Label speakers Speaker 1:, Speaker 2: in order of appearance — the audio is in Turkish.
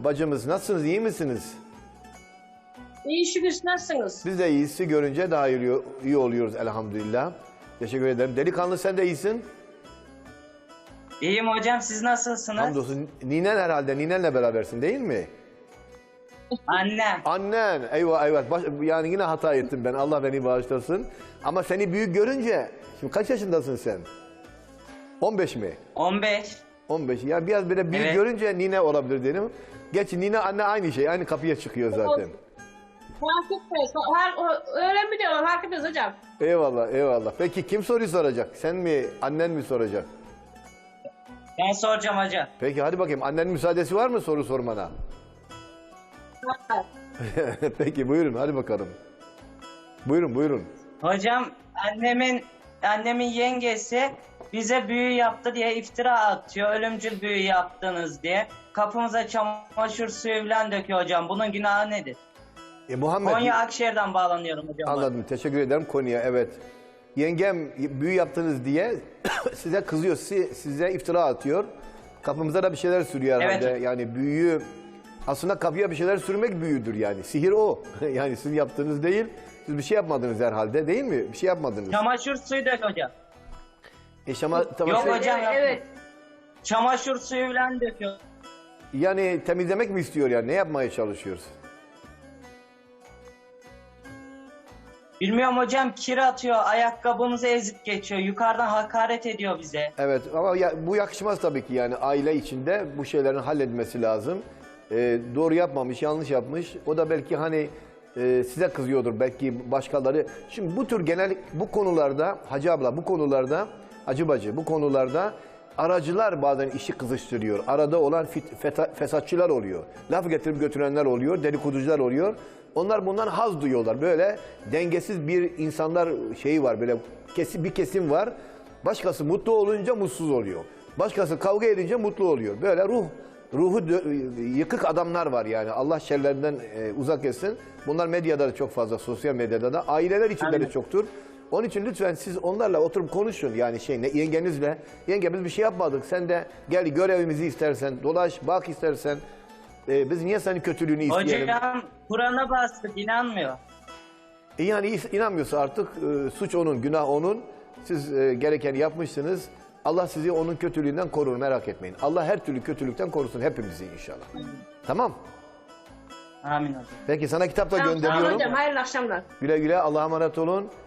Speaker 1: bacımız. Nasılsınız, iyi misiniz?
Speaker 2: İyi şükür, siz nasılsınız?
Speaker 1: Biz de iyisi görünce daha iyi oluyoruz elhamdülillah. Teşekkür ederim. Delikanlı sen de iyisin.
Speaker 3: İyiyim hocam, siz nasılsınız?
Speaker 1: Hamdolsun. Ninen herhalde, ninenle berabersin değil mi?
Speaker 3: Annem.
Speaker 1: Annen, eyvah eyvah. Yani yine hata ettim ben, Allah beni bağışlasın. Ama seni büyük görünce, şimdi kaç yaşındasın sen? 15 mi?
Speaker 3: 15.
Speaker 1: 15. Yani biraz böyle büyük
Speaker 3: Evet.
Speaker 1: görünce nine olabilir dedim. Geç nine anne aynı şey, aynı kapıya çıkıyor zaten.
Speaker 2: Fark etmez. Öyle mi diyorlar? Fark etmez hocam.
Speaker 1: Eyvallah, eyvallah. Peki kim soruyu soracak? Sen mi, annen mi soracak?
Speaker 3: Ben soracağım hocam.
Speaker 1: Peki hadi bakayım, annenin müsaadesi var mı soru sormana? Peki buyurun, hadi bakalım. Buyurun, buyurun.
Speaker 3: Hocam annemin yengesi bize büyü yaptı diye iftira atıyor. Ölümcül büyü yaptınız diye. Kapımıza çamaşır suyu falan döküyor hocam. Bunun günahı nedir?
Speaker 1: Muhammed,
Speaker 3: Konya Akşehir'den bağlanıyorum hocam.
Speaker 1: anladım, teşekkür ederim konuya, evet. Yengem büyü yaptınız diye size kızıyor, size iftira atıyor. Kapımıza da bir şeyler sürüyor herhalde.
Speaker 3: Evet.
Speaker 1: Yani büyüyü, aslında kapıya bir şeyler sürmek büyüdür yani. Sihir o. Yani sizin yaptığınız değil. Siz bir şey yapmadınız herhalde değil mi? Bir şey yapmadınız.
Speaker 3: Çamaşır suyu dök hocam.
Speaker 1: Tamam,
Speaker 3: Yok hocam.
Speaker 2: Evet.
Speaker 3: Çamaşır suyu falan döküyor.
Speaker 1: yani temizlemek mi istiyor yani? Ne yapmaya çalışıyoruz?
Speaker 3: Bilmiyorum hocam, kir atıyor, ayakkabımızı ezip geçiyor, yukarıdan hakaret ediyor bize.
Speaker 1: Evet ama bu yakışmaz tabii ki yani aile içinde bu şeylerin halledilmesi lazım. Doğru yapmamış, yanlış yapmış. O da belki hani size kızıyordur belki başkaları. Şimdi bu tür genel bu konularda Hacı abla bu konularda Hacı bacı bu konularda aracılar bazen işi kızıştırıyor. Arada olan fesatçılar oluyor. Laf getirip götürenler oluyor, dedikoducular oluyor. Onlar bundan haz duyuyorlar. Böyle dengesiz bir insanlar şeyi var. Böyle bir kesim var. Başkası mutlu olunca mutsuz oluyor. Başkası kavga edince mutlu oluyor. Böyle ruhu yıkık adamlar var yani. Allah şerlerinden uzak etsin. Bunlar medyada da çok fazla, sosyal medyada da. Aileler içinde de çoktur. Onun için lütfen siz onlarla oturup konuşun. Yani yengenizle. Yenge biz bir şey yapmadık. Sen de gel görevimizi istersen, dolaş, bak istersen. Biz niye senin kötülüğünü isteyelim?
Speaker 3: Hocam Kur'an'a bastık, inanmıyor.
Speaker 1: Yani inanmıyorsa artık suç onun, günah onun. Siz gerekeni yapmışsınız. Allah sizi onun kötülüğünden korur, merak etmeyin. Allah her türlü kötülükten korusun hepimizi inşallah. Tamam.
Speaker 3: Amin hocam.
Speaker 1: Peki sana kitap da
Speaker 2: Tamam,
Speaker 1: gönderiyorum.
Speaker 2: hocam, hayırlı akşamlar.
Speaker 1: Güle güle, Allah'a emanet olun.